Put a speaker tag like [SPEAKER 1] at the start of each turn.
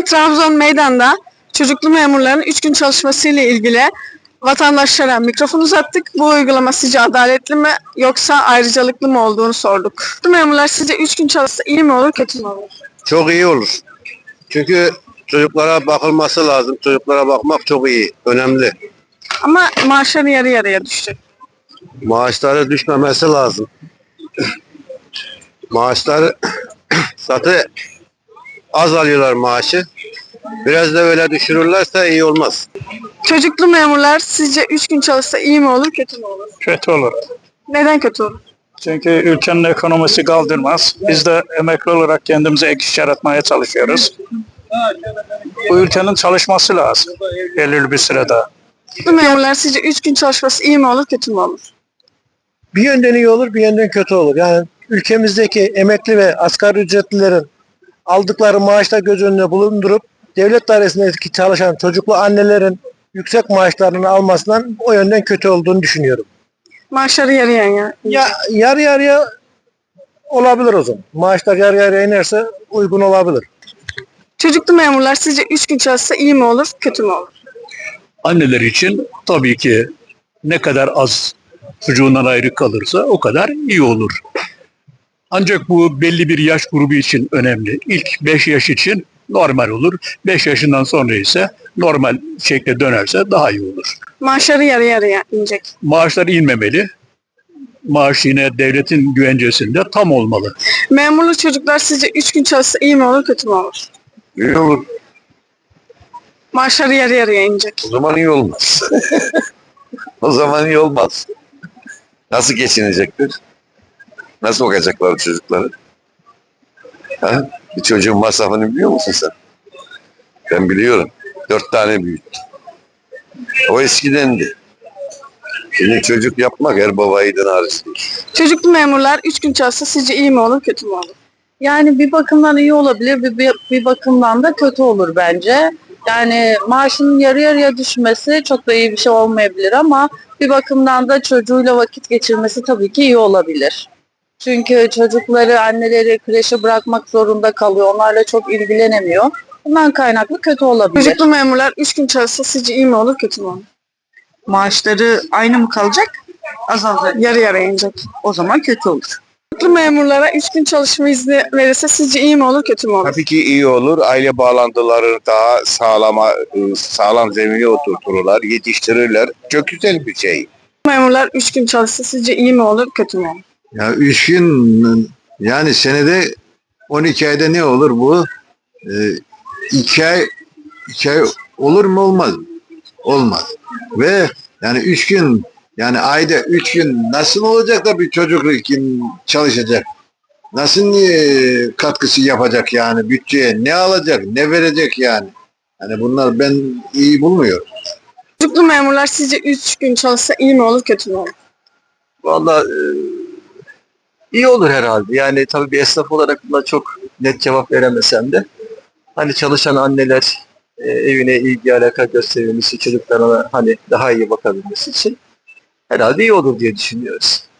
[SPEAKER 1] Bugün Trabzon Meydan'da çocuklu memurların 3 gün çalışması ile ilgili vatandaşlara mikrofon uzattık. Bu uygulama sizce adaletli mi yoksa ayrıcalıklı mı olduğunu sorduk. Çocuklu memurlar sizce 3 gün çalışsa iyi mi olur, kötü mü olur?
[SPEAKER 2] Çok iyi olur. Çünkü çocuklara bakılması lazım. Çocuklara bakmak çok iyi, önemli.
[SPEAKER 1] Ama maaşları yarı yarıya düşecek.
[SPEAKER 2] Maaşları düşmemesi lazım. Maaşları zaten az alıyorlar maaşı. Biraz da öyle düşürürlerse iyi olmaz.
[SPEAKER 1] Çocuklu memurlar sizce 3 gün çalışsa iyi mi olur, kötü mü olur?
[SPEAKER 3] Kötü olur.
[SPEAKER 1] Neden kötü olur?
[SPEAKER 3] Çünkü ülkenin ekonomisi kaldırmaz. Biz de emekli olarak kendimize ek iş yaratmaya çalışıyoruz. Bu ülkenin çalışması lazım belirli bir sürede.
[SPEAKER 1] Çocuklu memurlar sizce 3 gün çalışması iyi mi olur, kötü mü olur?
[SPEAKER 4] Bir yönden iyi olur, bir yönden kötü olur. Yani ülkemizdeki emekli ve asgari ücretlilerin aldıkları maaşla göz önüne bulundurup devlet dairesindeki çalışan çocuklu annelerin yüksek maaşlarını almasından o yönden kötü olduğunu düşünüyorum.
[SPEAKER 1] Maaşları yarıya ya.
[SPEAKER 4] Yarı yarıya olabilir o zaman. Maaşlar yarı yarıya inerse uygun olabilir.
[SPEAKER 1] Çocuklu memurlar sizce 3 gün çalışsa iyi mi olur, kötü mü olur?
[SPEAKER 5] Anneler için tabii ki ne kadar az çocuğundan ayrı kalırsa o kadar iyi olur. Ancak bu belli bir yaş grubu için önemli. İlk 5 yaş için normal olur. 5 yaşından sonra ise normal şekle dönerse daha iyi olur.
[SPEAKER 1] Maaşları yarı yarıya inecek.
[SPEAKER 5] Maaşlar inmemeli. Maaş yine devletin güvencesinde tam olmalı.
[SPEAKER 1] Memurlu çocuklar sizce 3 gün çalışsa iyi mi olur, kötü mü olur?
[SPEAKER 2] İyi olur.
[SPEAKER 1] Maaşları yarı yarıya inecek.
[SPEAKER 2] O zaman iyi olmaz. O zaman iyi olmaz. Nasıl geçinecektir? Nasıl bakacaklar çocukları? Ha? Bir çocuğun masrafını biliyor musun sen? Ben biliyorum. 4 tane büyüttüm. O eskidendi. Şimdi çocuk yapmak her baba yiğidin harcı değil.
[SPEAKER 1] Çocuklu memurlar 3 gün çalışsa sizce iyi mi olur, kötü mü olur?
[SPEAKER 6] Yani bir bakımdan iyi olabilir, bir bakımdan da kötü olur bence. Yani maaşının yarı yarıya düşmesi çok da iyi bir şey olmayabilir ama bir bakımdan da çocuğuyla vakit geçirmesi tabii ki iyi olabilir. Çünkü çocukları, anneleri kreşe bırakmak zorunda kalıyor. Onlarla çok ilgilenemiyor. Bundan kaynaklı kötü olabilir.
[SPEAKER 1] Çocuklu memurlar 3 gün çalışsa sizce iyi mi olur, kötü mü olur?
[SPEAKER 7] Maaşları aynı mı kalacak? Azalacak.
[SPEAKER 1] Yarı yarıya inecek.
[SPEAKER 7] O zaman kötü olur.
[SPEAKER 1] Çocuklu memurlara 3 gün çalışma izni verirse sizce iyi mi olur, kötü mü olur?
[SPEAKER 2] Tabii ki iyi olur. Aile bağlantıları daha sağlam zemine oturturlar, yetiştirirler. Çok güzel bir şey.
[SPEAKER 1] Memurlar 3 gün çalışsa sizce iyi mi olur, kötü mü olur?
[SPEAKER 8] Ya 3 gün yani senede 12 ayda ne olur bu? 2 ay, 2 ay olur mu olmaz mı? Olmaz. Ve yani 3 gün yani ayda 3 gün nasıl olacak da bir çocuk için çalışacak? Nasıl katkısı yapacak yani bütçeye? Ne alacak? Ne verecek yani? Yani bunlar ben iyi bulmuyorum.
[SPEAKER 1] Çocuklu memurlar sizce 3 gün çalışsa iyi mi olur, kötü mü olur?
[SPEAKER 9] Vallahi iyi olur herhalde. Yani tabii bir esnaf olarak buna çok net cevap veremesem de hani çalışan anneler evine ilgi alaka gösterilmesi, çocuklarına hani daha iyi bakabilmesi için herhalde iyi olur diye düşünüyoruz.